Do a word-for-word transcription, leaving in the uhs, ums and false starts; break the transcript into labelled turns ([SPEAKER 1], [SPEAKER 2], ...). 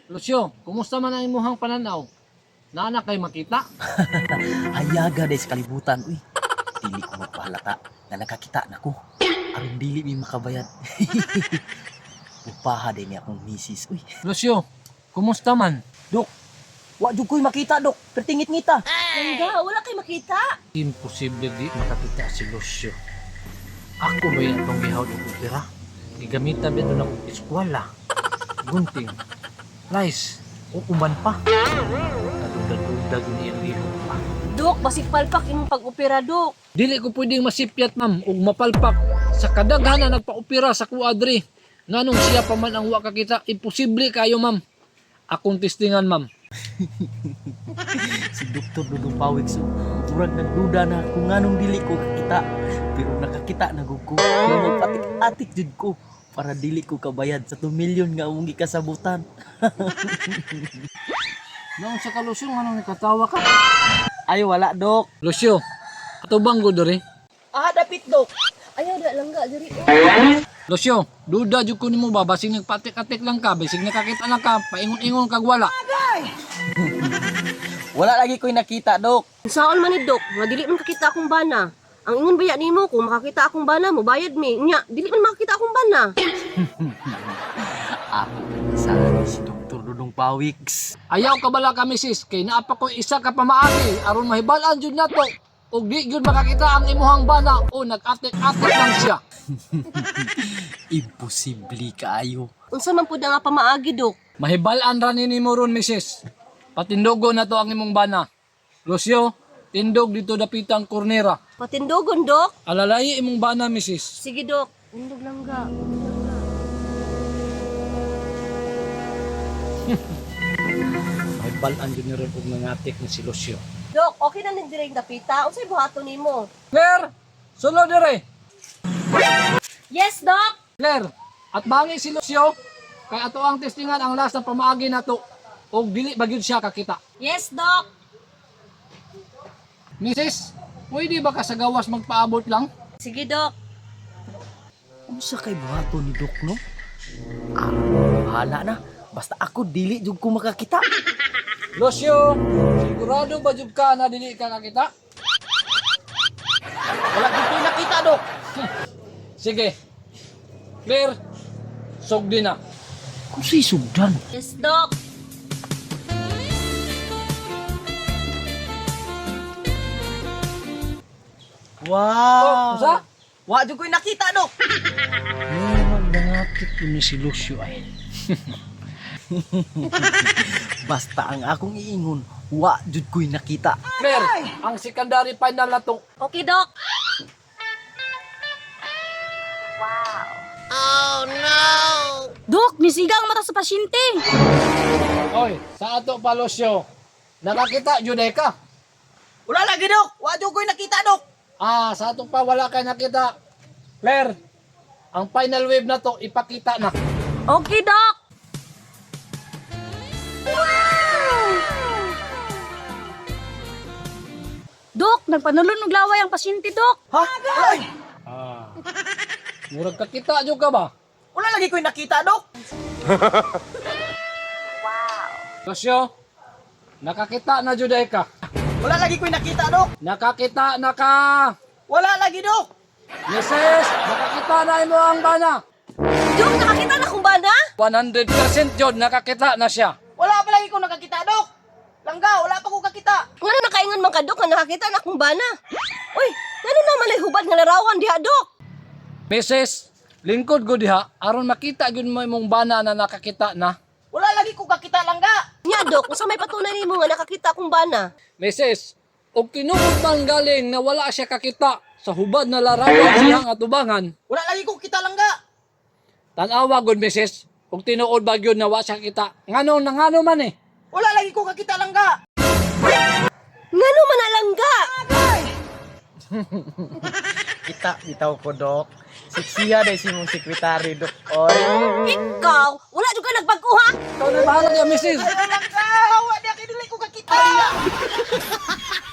[SPEAKER 1] Lucio, kumusta man ang imuhang pananaw? Naana kay makita?
[SPEAKER 2] Ayaga dahil sa kalibutan. Uy, dili ko magpahalata na nakakita na ko. Aron dili mi makabayad. Upaha din niya akong misis. Uy,
[SPEAKER 1] Lucio, kumusta man?
[SPEAKER 2] Dok, wa jud ko'y makita, Dok. Pertingit ngita.
[SPEAKER 3] Langga, wala kay makita.
[SPEAKER 1] Imposible di makakita si Lucio. Ako ba yung itong gihawd ng opera? Igamitan ba ito ng eskwala? Gunting, rice, o uman pa. Kadudag-dudag ni Enrico pa.
[SPEAKER 3] Dok, basig palpak imong pag-opera, Dok.
[SPEAKER 1] Dili ko pwedeng masipyat, ma'am, ug mapalpak sa kadaghan na nagpa-opera sa kuadri. Nganong siya pa man ang wa kakita, imposible kayo, ma'am. Akong testingan, ma'am.
[SPEAKER 2] Si Doktor Dudong Pawik so, murag nagduda na kung anong dili ko kakita. Pero nakakita na gud ko. Kaya magpatik-atik jud ko para dili ko kabayad sa two million nga among gikasabutan.
[SPEAKER 1] Nang sa kalusyon, anong nakatawa ka?
[SPEAKER 2] Ay wala, Dok.
[SPEAKER 1] Lucio, ato bang go diri?
[SPEAKER 2] Ah, dapit, Dok.
[SPEAKER 3] Ayaw, da langga, diri. Oh.
[SPEAKER 1] Lucio, duda jud ko nimo ba basig nagpatik-atik lang ka, basig nakakita lang ka, paingon-ingon kag wala.
[SPEAKER 2] Wala lagi ko'y nakita, Dok.
[SPEAKER 3] Saon man ni Dok, nga dili man kakita akong bana. Ang ingon baya nimo kung makakita akong bana mo bayad mi. Nya, dili man makakita akong bana.
[SPEAKER 2] Ako sana si Doktor Dudong Pawiks.
[SPEAKER 1] Ayaw ka bala ka, misis, kay naapa ko isa ka pamaagi aron mahibalan jud nato. Ug di jud makakita ang imuhang bana o nag-atik-atik lang siya.
[SPEAKER 2] Imposible kaayo.
[SPEAKER 3] Unsa man pud nga pamaagi, Dok?
[SPEAKER 1] Mahibalan ra nimo ron, misis. Patindogo na to ang imong bana. Lucio, tindog dito dapitang kornera.
[SPEAKER 3] Patindogon, Dok.
[SPEAKER 1] Alalay imong bana, misis.
[SPEAKER 3] Sige, Dok. Undog langga.
[SPEAKER 1] Mahibalan jud ni ron ug nangatik ni si Lucio.
[SPEAKER 3] Dok, okay na ning direng dapita. Unsay buhaton nimo?
[SPEAKER 1] Claire, sulo dire.
[SPEAKER 3] Yes, Dok.
[SPEAKER 1] Claire, at bangi si Lucio, kay ato ang testingan ang last na pamaagi nato. Og dili ba gyud siya kakita.
[SPEAKER 3] Yes, Dok.
[SPEAKER 1] Misis, pwede ba ka sa gawas magpaabot lang?
[SPEAKER 3] Sige, Dok.
[SPEAKER 2] Unsa kay buhaton ni Dok, no? Ah, bahala na. Basta ako dili jud ko makakita.
[SPEAKER 1] Lucio, sigurado ba jud ka na dili ka kakita?
[SPEAKER 2] Wala jud ko'y nakita, Dok.
[SPEAKER 1] Sige. Claire, sugdi na.
[SPEAKER 2] Kung si sugdan.
[SPEAKER 3] Yes, Dok.
[SPEAKER 2] Wow.
[SPEAKER 1] Oh, sa?
[SPEAKER 2] Wa jud ko'y nakita, Dok.
[SPEAKER 1] Oh, nangatik ko ni si Lucio ay.
[SPEAKER 2] Basta ang akong iingon, wa jud ko'y nakita.
[SPEAKER 1] Claire, ang secondary final na to.
[SPEAKER 3] Okay, Dok. Dok, nisigang mata sa pasyente.
[SPEAKER 1] Oy, sa ato pa Lucio. Nakakita jud ay ka.
[SPEAKER 2] Wala lagi, Dok. Wa jud ko'y nakita, Dok.
[SPEAKER 1] Ah, sa ato pa wala kay nakita. Claire, ang final wave na to ipakita na.
[SPEAKER 3] Okay, Dok. Dok, nagpanulon og laway ang pasyente, Dok.
[SPEAKER 2] Ha? Wala, ay.
[SPEAKER 1] Ah. Murag kakita jud ka ba?
[SPEAKER 2] Wala lagi ko'y nakita, Dok.
[SPEAKER 1] Lucio, nakakita na jud ay ka.
[SPEAKER 2] Wala lagi ko'y nakita, Dok.
[SPEAKER 1] Nakakita na ka.
[SPEAKER 2] Wala lagi, Dok.
[SPEAKER 1] Missus, nakakita na imo ang bana.
[SPEAKER 3] Dok, nakakita na kong bana?
[SPEAKER 1] one hundred percent jud nakakita na siya.
[SPEAKER 2] Wala pa lagi ko nakakita, Dok. Langga, wala pa ko kakita.
[SPEAKER 3] Ngano nakaingon man ka, Dok, nga nakakita na akong bana? Uy, ngano naman ay hubad nga larawan diha, Dok?
[SPEAKER 1] Missus, lingkod ko diha aron makita gyud mo imong bana na nakakita na.
[SPEAKER 2] Wala lagi ko kakita, Langga.
[SPEAKER 3] Nya, Dok, unsa may patunay nimo nga nakakita akong bana?
[SPEAKER 1] Missus, og tinuod man galing na wala siya kakita sa hubad na larawan siyang atubangan.
[SPEAKER 2] Wala lagi ko kita, Langga.
[SPEAKER 1] Tan-awa gud, Missus, og tinuod ba gyud na wala siya kita. Ngano na ngano man eh.
[SPEAKER 2] Wala lagi ko kakita, Langga.
[SPEAKER 3] Ngano man alangga?
[SPEAKER 2] Kita, bitaw ko, Dok. Siksiya dahil si mong sekretary, Dok. Oy.
[SPEAKER 3] Ikaw, wala jud ka nagbaguha?
[SPEAKER 1] Ikaw na bahala niya, Missus.
[SPEAKER 2] Langga, hawa di ako dili ko kakita.